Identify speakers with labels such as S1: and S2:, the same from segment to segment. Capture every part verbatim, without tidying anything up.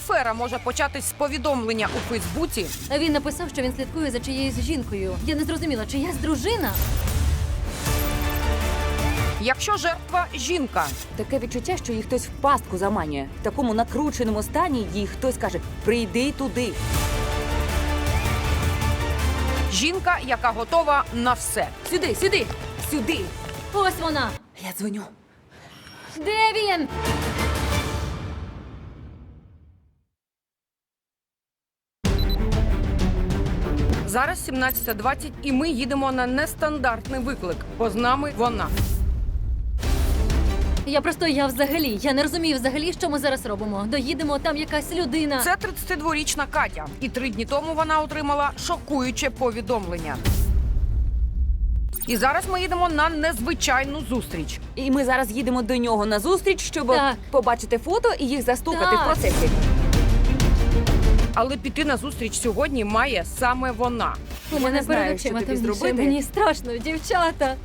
S1: афера може початись з повідомлення у Фейсбуці.
S2: Він написав, що він слідкує за чиєюсь жінкою. Я не зрозуміла, чиясь дружина?
S1: Якщо жертва – жінка,
S3: Таке відчуття, що її хтось в пастку заманює. В такому накрученому стані їй хтось каже «прийди туди».
S1: жінка, яка готова на все.
S3: Сюди, сюди, сюди.
S2: Ось вона!
S3: Я дзвоню.
S2: Де він?
S1: Зараз сімнадцята двадцять, і ми їдемо на нестандартний виклик, бо з нами вона.
S2: Я просто, я взагалі, я не розумію взагалі, що ми зараз робимо. Доїдемо, там якась людина.
S1: Це тридцятидворічна Катя. І три дні тому вона отримала шокуюче повідомлення. І зараз ми їдемо на незвичайну зустріч.
S3: І ми зараз їдемо до нього на зустріч, щоб
S2: Так.
S3: побачити фото і їх застукати
S2: Так.
S3: в процесі.
S1: Але піти на зустріч сьогодні має саме вона.
S2: У
S3: Я
S2: мене
S3: не знаю,
S2: перед
S3: що
S2: очима
S3: тобі
S2: темніше.
S3: зробити.
S2: Мені страшно, дівчата.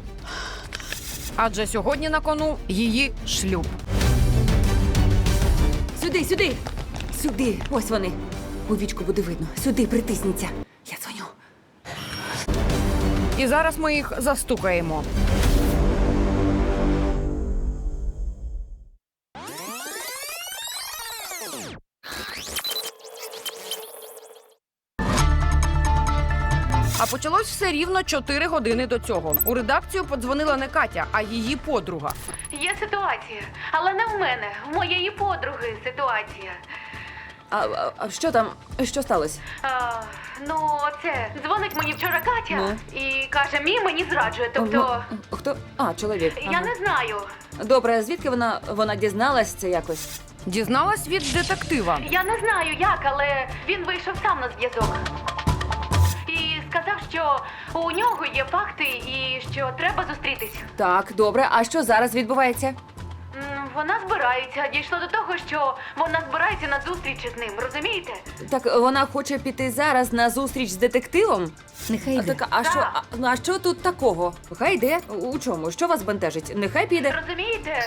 S1: Адже сьогодні на кону її шлюб.
S3: Сюди, сюди, сюди. Ось вони. У вічку буде видно. Сюди, притисніться. Я дзвоню.
S1: І зараз ми їх застукаємо. А почалось все рівно чотири години до цього. У редакцію подзвонила не Катя, а її подруга.
S4: Є ситуація, але не в мене, в моєї подруги ситуація.
S3: А, а, а що там? Що сталося?
S4: А, ну, це дзвонить мені вчора Катя
S3: Ну?
S4: і каже, мій мені зраджує. Тобто,
S3: Ну, хто? А, чоловік.
S4: я
S3: Ага.
S4: не знаю.
S3: Добре, звідки вона, вона дізналась це якось?
S1: Дізналась від детектива.
S4: Я не знаю як, але він вийшов сам на зв'язок. І сказав, що у нього є факти і що треба зустрітись.
S3: Так, добре. А що зараз відбувається?
S4: М, Вона збирається. Дійшло до того, що вона збирається на зустріч з ним, розумієте?
S3: Так вона хоче піти зараз на зустріч з детективом?
S2: Нехай
S3: А,
S2: йде.
S3: так, а що, а, ну, а що тут такого? Хай йде. У чому? Що вас бентежить? Нехай піде.
S4: Розумієте?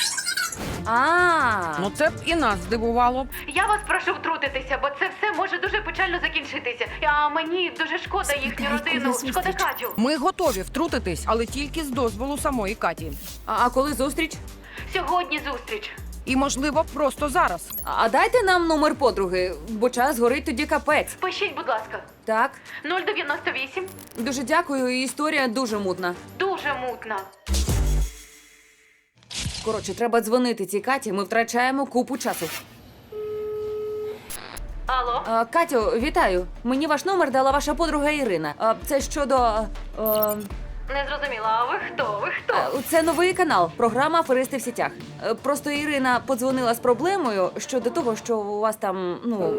S3: А,
S1: Ну це б і нас здивувало.
S4: Я вас прошу втрутитися, бо це все може дуже печально закінчитися. А мені дуже шкода їхню родину, шкода Катю.
S1: Ми готові втрутитись, але тільки з дозволу самої Каті.
S3: а, а коли зустріч?
S4: Сьогодні зустріч.
S1: І, можливо, просто зараз.
S3: А, а дайте нам номер подруги, бо час горить тоді капець.
S4: Пишіть, будь ласка.
S3: Так,
S4: нуль дев'яносто вісім.
S3: дуже дякую, історія дуже мутна.
S4: Дуже мутна.
S3: Коротше, треба дзвонити цій Каті, ми втрачаємо купу часу.
S4: Алло?
S3: А, Катю, вітаю. Мені ваш номер дала ваша подруга Ірина. А, це щодо... А,
S4: Не зрозуміла, а ви хто? Ви хто?
S3: а, це новий канал, програма «Аферисти в сітях». Е, Просто Ірина подзвонила з проблемою щодо того, що у вас там, ну...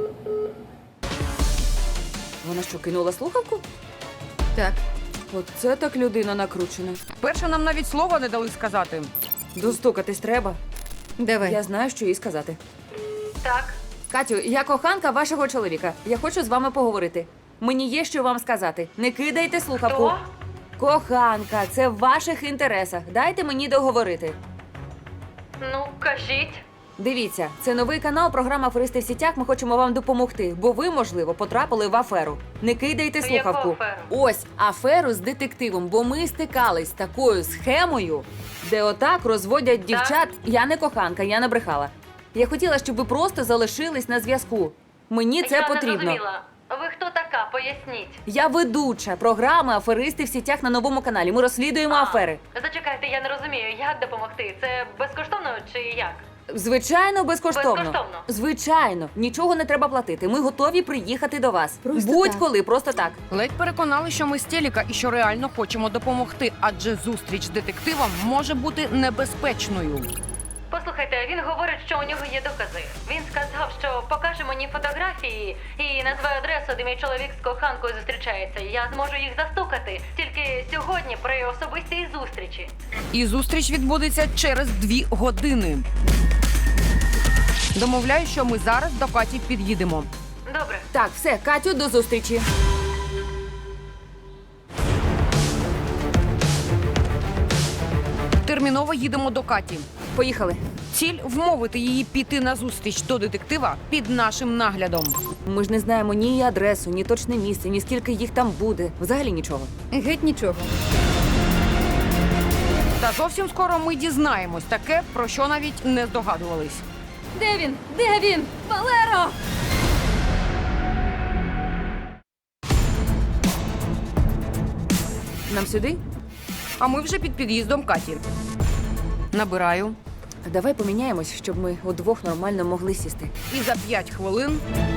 S3: Вона що, кинула слухавку?
S2: Так.
S3: Оце так людина накручена.
S1: Перше нам навіть слова не дали сказати.
S3: Достукатись треба.
S2: Давай.
S3: Я знаю, що їй сказати.
S4: Так.
S3: Катю, я коханка вашого чоловіка. Я хочу з вами поговорити. Мені є що вам сказати. Не кидайте слухавку.
S4: Хто?
S3: Коханка, це в ваших інтересах. Дайте мені договорити.
S4: Ну, кажіть.
S3: Дивіться, це новий канал, програма «Аферисти в сітях». Ми хочемо вам допомогти, бо ви, можливо, потрапили в аферу. Не кидайте
S4: Яку
S3: слухавку.
S4: аферу?
S3: Ось аферу з детективом, бо ми стикались з такою схемою, де отак розводять дівчат. Я не коханка, я не брехала. Я хотіла, щоб ви просто залишились на зв'язку. Мені це
S4: Я
S3: потрібно.
S4: не зрозуміла. Ви хто така? Поясніть.
S3: Я ведуча програми «Аферисти в сітях» на новому каналі. Ми розслідуємо
S4: А,
S3: афери.
S4: Зачекайте, я не розумію, як допомогти? Це безкоштовно чи як?
S3: Звичайно, безкоштовно.
S4: Безкоштовно?
S3: Звичайно, нічого не треба платити. Ми готові приїхати до вас.
S2: Просто
S3: Будь-коли, просто так.
S1: Ледь переконали, що ми з телека і що реально хочемо допомогти, адже зустріч з детективом може бути небезпечною.
S4: Послухайте, він говорить, що у нього є докази. Він сказав, що покаже мені фотографії і назве адресу, де мій чоловік з коханкою зустрічається. Я зможу їх застукати тільки сьогодні при особистій зустрічі.
S1: І зустріч відбудеться через дві години. Домовляю, що ми зараз до Каті під'їдемо.
S4: Добре.
S3: Так, все, Катю, до зустрічі.
S1: Терміново їдемо до Каті.
S3: Поїхали.
S1: Ціль вмовити її піти на зустріч до детектива під нашим наглядом.
S3: Ми ж не знаємо ні її адресу, ні точне місце, ні скільки їх там буде. Взагалі нічого.
S2: Геть нічого.
S1: Та зовсім скоро ми дізнаємось таке, про що навіть не здогадувались.
S2: Де він? Де він? Валеро!
S3: Нам сюди?
S1: А ми вже під під'їздом Каті. Набираю.
S3: Давай поміняємось, щоб ми удвох нормально могли сісти.
S1: І за п'ять хвилин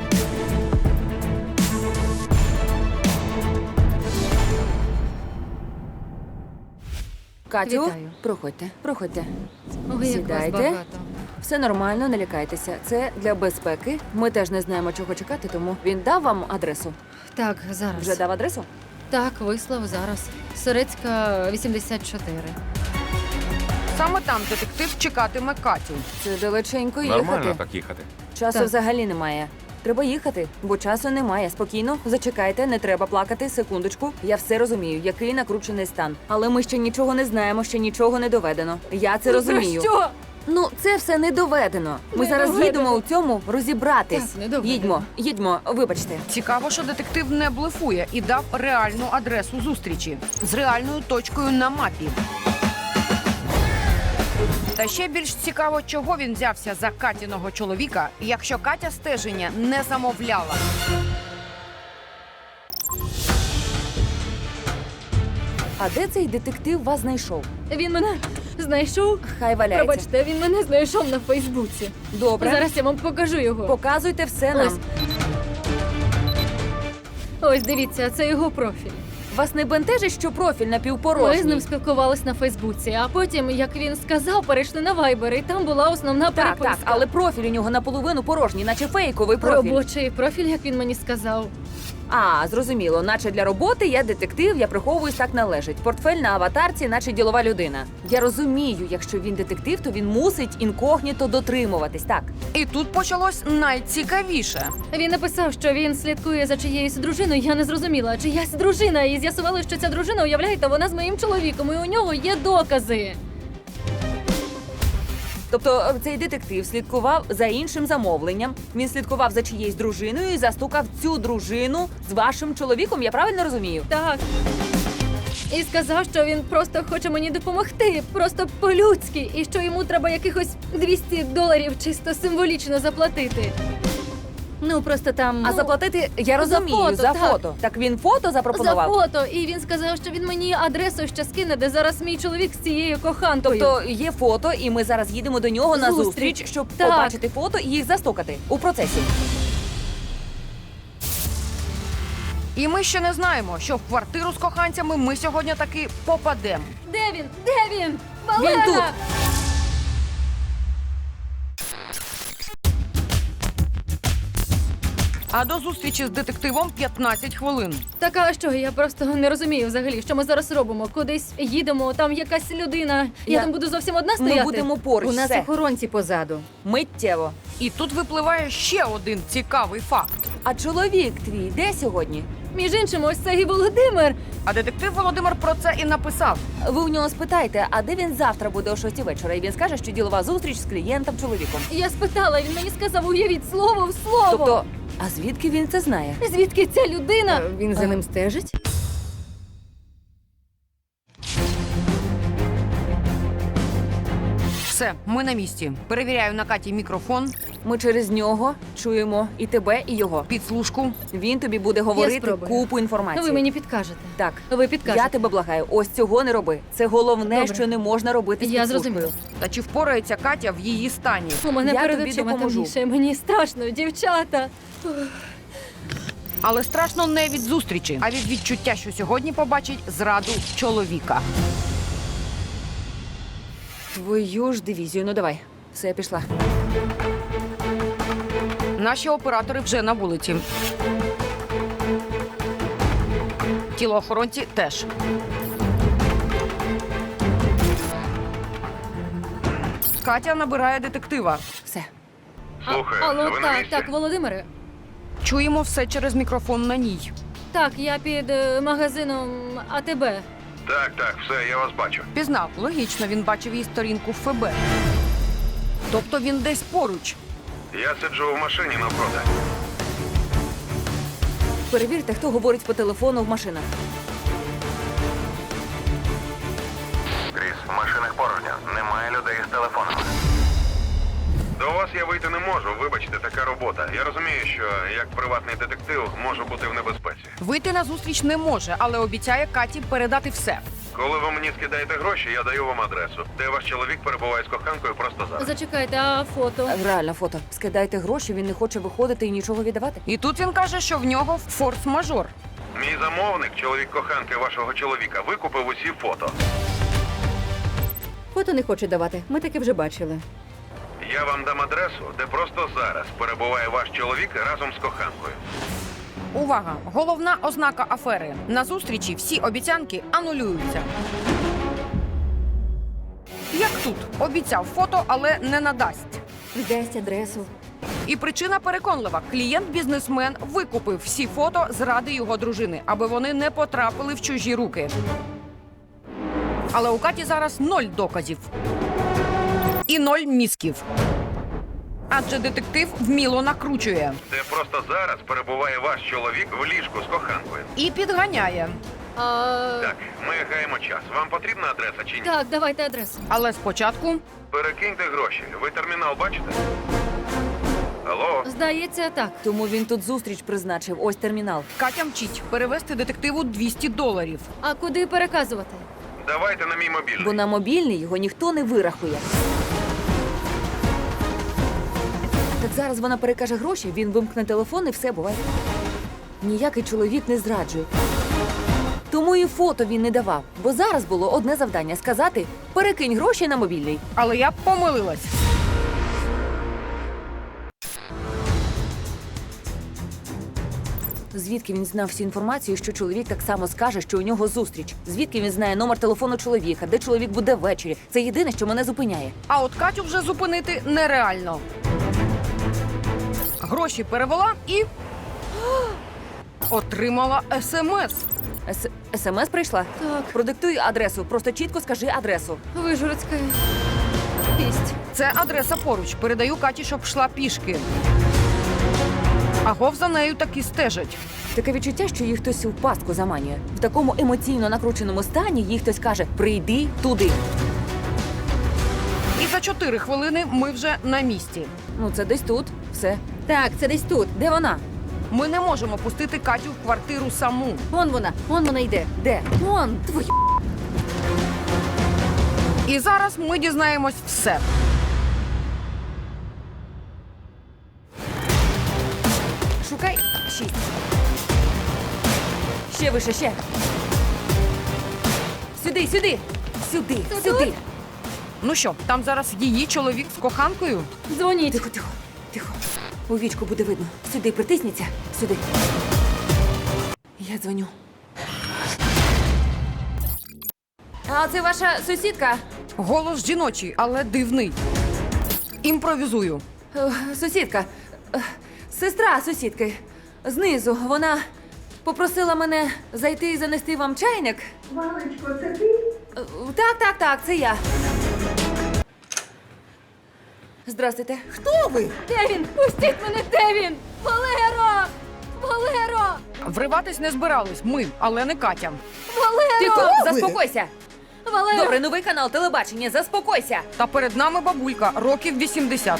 S3: Катю,
S2: Вітаю.
S3: проходьте, проходьте.
S2: Ой, як вас
S3: Сідайте.
S2: багато.
S3: Все нормально, не лякайтеся. Це для безпеки. Ми теж не знаємо, чого чекати, тому він дав вам адресу.
S2: Так, зараз.
S3: Вже дав адресу?
S2: Так, вислав зараз. Сорецька, вісімдесят чотири.
S1: саме там детектив чекатиме Катю.
S3: Це далеченько
S5: Нормально
S3: їхати.
S5: так їхати.
S3: Часу
S2: Так.
S3: взагалі немає. Треба їхати, бо часу немає. Спокійно, зачекайте, не треба плакати. Секундочку. Я все розумію, який накручений стан. Але ми ще нічого не знаємо, ще нічого не доведено. Я це розумію.
S2: Про що?
S3: Ну, це все не доведено. Ми
S2: Не
S3: зараз
S2: доведено.
S3: їдемо у цьому розібратись.
S2: Так, не доведено.
S3: Їдьмо, їдьмо, вибачте.
S1: Цікаво, що детектив не блефує і дав реальну адресу зустрічі з реальною точкою на мапі. Та ще більш цікаво, чого він взявся за Катіного чоловіка, якщо Катя стеження не замовляла.
S3: А де цей детектив вас знайшов?
S2: Він мене знайшов.
S3: Хай валяється.
S2: Пробачте, він мене знайшов на Фейсбуці.
S3: Добре.
S2: Зараз я вам покажу його.
S3: Показуйте все нам.
S2: Ось. Ось дивіться, це його профіль.
S3: Вас не бентежить, що профіль
S2: Ми
S3: напівпорожній?
S2: з ним спілкувались на Фейсбуці, а потім, як він сказав, перейшли на Вайбер, і там була основна
S3: Так,
S2: переписка.
S3: так, але профіль у нього наполовину порожній, наче фейковий профіль.
S2: Робочий профіль, як він мені сказав.
S3: А, зрозуміло, наче для роботи я детектив, я приховуюсь так належить. Портфель на аватарці, наче ділова людина. Я розумію, якщо він детектив, то він мусить інкогніто дотримуватись, так.
S1: І тут почалось найцікавіше.
S2: Він написав, що він слідкує за чиєюсь дружиною. Я не зрозуміла, чиясь дружина, і з'ясували, що ця дружина, уявляєте, вона з моїм чоловіком, і у нього є докази.
S3: Тобто е, цей детектив слідкував за іншим замовленням, він слідкував за чиєюсь дружиною і застукав цю дружину з вашим чоловіком, я правильно розумію?
S2: Так. І сказав, що він просто хоче мені допомогти, просто по-людськи, і що йому треба якихось двісті доларів чисто символічно заплатити. Ну, просто там...
S3: А
S2: ну,
S3: заплатити, я
S2: за
S3: розумію,
S2: фото,
S3: за
S2: так.
S3: фото. Так він фото
S2: за
S3: запропонував?
S2: фото. І він сказав, що він мені адресу ще скине, де зараз мій чоловік з цією коханкою.
S3: Тобто є фото, і ми зараз їдемо до нього на
S2: Зустріч.
S3: зустріч, щоб
S2: Так.
S3: побачити фото і їх застукати у процесі.
S1: І ми ще не знаємо, що в квартиру з коханцями ми сьогодні таки попадемо.
S2: Де він? Де він? Валера!
S3: Він тут.
S1: А до зустрічі з детективом п'ятнадцять хвилин.
S2: Так, а що? Я просто не розумію взагалі, що ми зараз робимо. Кудись їдемо, там якась людина. Я,
S3: Я-
S2: там буду зовсім одна стояти.
S3: Ми будемо поруч.
S6: У нас
S3: все.
S6: охоронці позаду.
S3: Миттєво.
S1: І тут випливає ще один цікавий факт.
S3: А чоловік твій де сьогодні?
S2: Між іншим, ось це і Володимир.
S1: А детектив Володимир про це і написав.
S3: Ви у нього спитайте, а де він завтра буде о шостій вечора? І він скаже, що ділова зустріч з клієнтом чоловіком.
S2: Я спитала, він мені сказав, уявіть слово в слово.
S3: Тобто, а звідки він це знає?
S2: Звідки ця людина?
S6: Е, Він за ним стежить?
S1: Все, ми на місці. Перевіряю на Каті мікрофон,
S3: Ми через нього чуємо і тебе, і його.
S1: підслужку.
S3: Він тобі буде говорити
S2: спробую.
S3: купу інформації.
S2: Ви мені підкажете.
S3: Так.
S2: Ви підкажете.
S3: Я тебе благаю, ось цього не роби. Це головне,
S2: Добре.
S3: що не можна робити з
S2: Я
S3: підслужкою.
S2: зрозуміла.
S1: Та чи впорається Катя в її стані?
S2: У мене
S3: Я
S2: перед
S3: тобі
S2: очима
S3: допоможу.
S2: темніше. Мені страшно, дівчата.
S1: Але страшно не від зустрічі, а від відчуття, що сьогодні побачить зраду чоловіка.
S3: Твою ж дивізію, ну давай. Все, я пішла.
S1: Наші оператори вже на вулиці. Тілоохоронці теж. Катя набирає детектива.
S3: Все.
S5: Слухай,
S2: Алло,
S5: ви на
S2: так,
S5: місці?
S2: так, Володимире.
S1: Чуємо все через мікрофон на ній.
S2: Так, я під е, магазином АТБ.
S5: Так, так, все, я вас бачу.
S1: Пізнав, логічно, він бачив її сторінку в ФБ. Тобто він десь поруч.
S5: Я сиджу в машині навпроти.
S3: Перевірте, хто говорить по телефону в машинах.
S5: Кріс, в машинах порожньо. Немає людей з телефонами. До вас я вийти не можу, вибачте, така робота. Я розумію, що як приватний детектив можу бути в небезпеці.
S1: Вийти на зустріч не може, але обіцяє Каті передати все.
S5: Коли ви мені скидаєте гроші, я даю вам адресу, де ваш чоловік перебуває з коханкою просто зараз.
S2: Зачекайте, а фото?
S3: Реально фото. Скидайте гроші, він не хоче виходити і нічого віддавати.
S1: І тут він каже, що в нього форс-мажор.
S5: Мій замовник, чоловік коханки вашого чоловіка, викупив усі фото.
S6: Фото не хоче давати. Ми таке вже бачили.
S5: Я вам дам адресу, де просто зараз перебуває ваш чоловік разом з коханкою.
S1: Увага! Головна ознака афери. На зустрічі всі обіцянки анулюються. Як тут? Обіцяв фото, але не надасть.
S6: Дасть адресу.
S1: І причина переконлива. Клієнт-бізнесмен викупив всі фото зради його дружини, аби вони не потрапили в чужі руки. Але у Каті зараз ноль доказів. І ноль мізків. Адже детектив вміло накручує.
S5: Де просто зараз перебуває ваш чоловік в ліжку з коханкою.
S1: І підганяє.
S2: А...
S5: Так, ми гаємо час. Вам потрібна адреса чи ні?
S2: Так, давайте адресу.
S1: Але спочатку
S5: Перекиньте гроші. Ви термінал бачите? Алло?
S2: Здається, так.
S3: Тому він тут зустріч призначив. Ось термінал.
S1: Катя мчить перевести детективу двісті доларів.
S2: А куди переказувати?
S5: Давайте на мій мобільний.
S3: Бо на мобільний його ніхто не вирахує. Так зараз вона перекаже гроші, він вимкне телефон і все буває. Ніякий чоловік не зраджує. Тому і фото він не давав. Бо зараз було одне завдання – сказати «перекинь гроші на мобільний».
S1: Але я помилилась.
S3: Звідки він знав всю інформацію, що чоловік так само скаже, що у нього зустріч? Звідки він знає номер телефону чоловіка, де чоловік буде ввечері? Це єдине, що мене зупиняє.
S1: А от Катю вже зупинити нереально. Гроші перевела і отримала смс.
S3: С- СМС прийшла?
S2: Так.
S3: Продиктуй адресу, просто чітко скажи адресу.
S2: Вижгородська. Пість.
S1: Це адреса поруч. Передаю Каті, щоб йшла пішки. Агов за нею таки стежать.
S3: Таке відчуття, що їх хтось в пастку заманює. В такому емоційно накрученому стані їй хтось каже «прийди туди».
S1: І за чотири хвилини ми вже на місці.
S3: Ну, це десь тут. Все.
S6: Так, це десь тут.
S3: Де вона?
S1: Ми не можемо пустити Катю в квартиру саму.
S6: Вон вона, вон вона йде.
S3: Де?
S6: Вон, твою.
S1: І зараз ми дізнаємось все.
S3: Шукай. Шість. Ще вище, ще. Сюди, сюди. Сюди,
S2: Це
S3: сюди.
S2: тут?
S1: Ну що, там зараз її чоловік з коханкою?
S2: Дзвоніть.
S3: Тихо, тихо, тихо. У вічку буде видно. Сюди, притисніться. Сюди. Я дзвоню. А це ваша сусідка?
S1: Голос жіночий, але дивний. Імпровізую.
S3: Е, Сусідка. Е, Сестра сусідки. Знизу. Вона попросила мене зайти і занести вам чайник. Валечко, це ти? Так, так, так, це я. Здрастуйте.
S6: Хто ви?
S2: Де він? Пустіть мене, де він? Валеро! Валеро!
S1: Вриватись не збирались ми, але не Катя.
S2: Валеро!
S3: Тихо,
S6: ви?
S3: заспокойся.
S2: Валеро!
S3: Добре, новий канал телебачення, заспокойся.
S1: Та перед нами бабулька, років вісімдесят.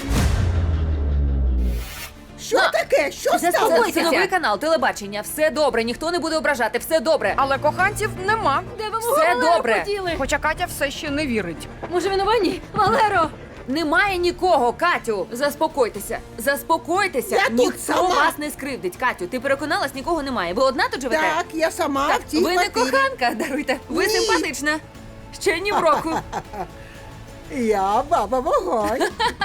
S6: Що таке? Що
S3: Це,
S6: сталося?
S3: це новий канал телебачення. Все добре, ніхто не буде ображати, все добре.
S1: Але коханців нема.
S2: Де ви мого
S3: Все
S2: Валеру
S3: добре.
S2: поділи?
S1: Хоча Катя все ще не вірить.
S2: Може він у ванні? Валеро!
S3: Немає нікого, Катю. Заспокойтеся. Заспокойтеся.
S7: Я тут
S3: Ніхто
S7: сама.
S3: вас не скривдить. Катю, ти переконалась, нікого немає. Ви одна тут живете?
S7: Так, я сама
S3: Так,
S7: в цій
S3: ви не
S7: квартирі.
S3: коханка, даруйте. Ви
S7: Ні.
S3: симпатична. Ще ні в року.
S7: Я баба вогонь.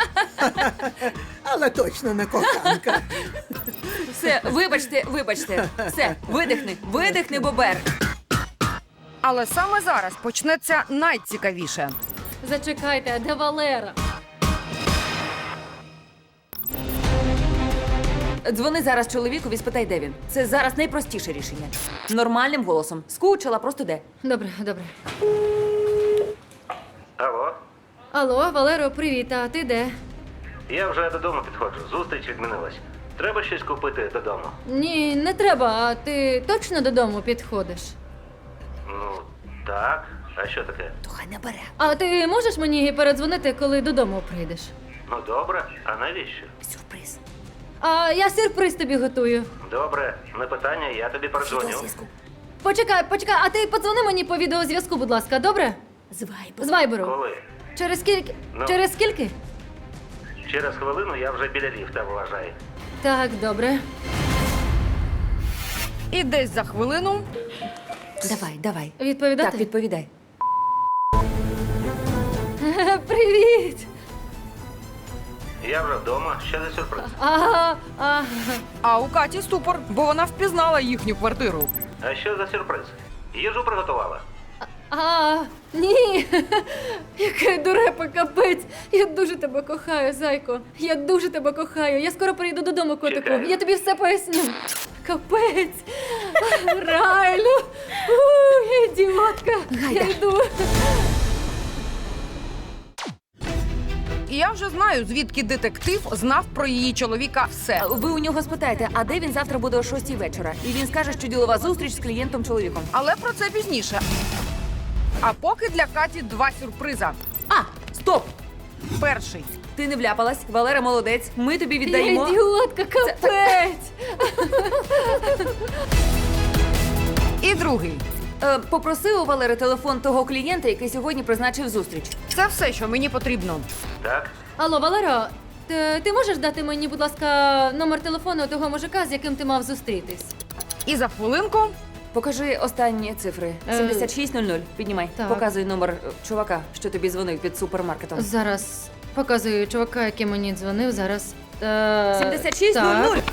S7: Але точно не коханка.
S3: Все, вибачте, вибачте. Все, видихни, видихни, бобер.
S1: Але саме зараз почнеться найцікавіше.
S2: Зачекайте, а де Валера?
S3: Дзвони зараз чоловікові, спитай, де він. Це зараз найпростіше рішення. Нормальним голосом. Скучила, просто де.
S2: Добре, добре.
S5: Алло?
S2: Алло, Валеро, привіт, а ти де?
S8: Я вже додому підходжу. Зустріч відмінилась. Треба щось купити додому.
S2: Ні, не треба, а ти точно додому підходиш?
S8: Ну, так. А що таке?
S6: То хай не бере.
S2: А ти можеш мені передзвонити, коли додому прийдеш?
S8: Ну добре, а навіщо?
S6: Сюрприз.
S2: А я сюрприз тобі готую.
S8: Добре, не питання, я тобі передзвоню.
S6: Відеозв'язку.
S2: Почекай, почекай, а ти подзвони мені по відеозв'язку, будь ласка, добре?
S6: З вайбу.
S2: З вайберу.
S8: Коли?
S2: Через скільки?
S8: Ну.
S2: Через скільки?
S8: Через хвилину я вже біля ліфта, вважай.
S2: Так, добре.
S1: І десь за хвилину
S6: Давай, давай.
S2: Відповідати?
S6: Так, відповідай.
S2: Привіт!
S8: Я вже вдома, що за сюрприз?
S2: А, а,
S1: а у Каті ступор, бо вона впізнала їхню квартиру.
S8: А що за сюрприз? Їжу приготувала.
S2: а, ні! Яке дурепа, капець! Я дуже тебе кохаю, зайко. Я дуже тебе кохаю. Я скоро прийду додому, котику.
S8: Чекаю.
S2: Я тобі все поясню. Капець! Райлю! У, я ідіотка! Я йду.
S1: І я вже знаю, звідки детектив знав про її чоловіка все.
S3: Ви у нього спитаєте, а де він завтра буде о шостій вечора? І він скаже, що ділова зустріч з клієнтом-чоловіком.
S1: Але про це пізніше. А поки для Каті два сюрприза.
S3: А, стоп!
S1: Перший.
S3: Ти не вляпалась, Валера молодець. Ми тобі
S2: Я
S3: віддаємо.
S2: ідіотка, капець!
S1: І другий.
S3: Е, попроси у Валери телефон того клієнта, який сьогодні призначив зустріч.
S1: Це все, що мені потрібно.
S8: Так?
S2: Алло, Валеро, ти, ти можеш дати мені, будь ласка, номер телефону того мужика, з яким ти мав зустрітись?
S1: І за хвилинку
S3: Покажи останні цифри.
S2: Е,
S3: сімдесят шість нуль нуль. Піднімай.
S2: так.
S3: Показуй номер е, чувака, що тобі дзвонив під супермаркетом.
S2: Зараз показую чувака, який мені дзвонив. Зараз. Е,
S3: сімдесят шість нуль
S2: так.
S3: нуль.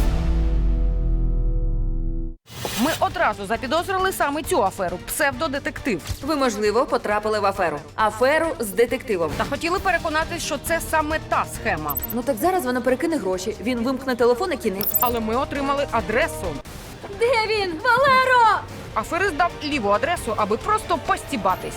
S1: ми одразу запідозрили саме цю аферу псевдодетектив.
S3: Ви, можливо, потрапили в аферу. Аферу з детективом.
S1: Та хотіли переконатись, що це саме та схема.
S3: Ну так зараз вона перекине гроші. Він вимкне телефон і кінець.
S1: Але ми отримали адресу.
S2: Де він? Валеро!
S1: Аферист дав ліву адресу, аби просто постібатись.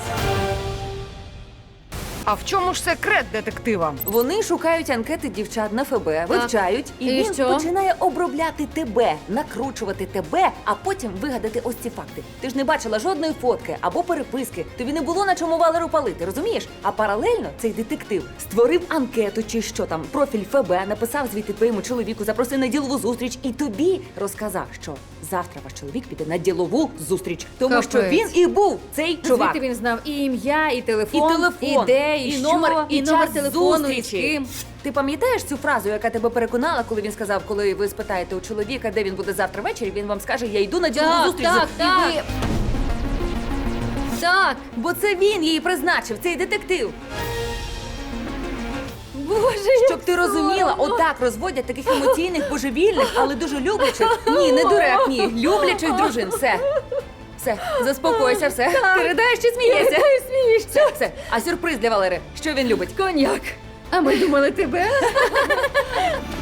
S1: А в чому ж секрет детектива?
S3: Вони шукають анкети дівчат на ФБ, вивчають, і,
S2: І
S3: він
S2: що?
S3: починає обробляти тебе, накручувати тебе, а потім вигадати ось ці факти. Ти ж не бачила жодної фотки або переписки. Тобі не було на чому Валеру палити, розумієш? А паралельно цей детектив створив анкету чи що там, профіль ФБ, написав звідти твоєму чоловіку, запросив на ділову зустріч і тобі розказав, що завтра ваш чоловік піде на ділову зустріч, тому
S2: Капець.
S3: що він і був цей чувак.
S6: Звідти він знав і ім'я, і телефон,
S3: І телефон,
S6: і де, і,
S3: і
S6: що,
S3: номер, і,
S6: і номер
S3: час
S6: телефону, і з
S3: зустрічі.
S6: ким.
S3: Ти пам'ятаєш цю фразу, яка тебе переконала, коли він сказав, коли ви спитаєте у чоловіка, де він буде завтра ввечері, він вам скаже, я йду на ділову
S2: Так,
S3: зустріч.
S2: так,
S3: І
S2: так.
S3: ви...
S2: Так,
S3: Бо це він її призначив, цей детектив.
S2: боже,
S3: Щоб ти розуміла, отак розводять таких емоційних, божевільних, але дуже люблячих. Ні, не дурак, ні, люблячих дружин. Все. Все, заспокойся, все. Ти ридаєш чи смієшся?
S2: смієшся.
S3: Все, все. А сюрприз для Валери. Що він любить?
S2: Коньяк.
S6: А ми думали тебе.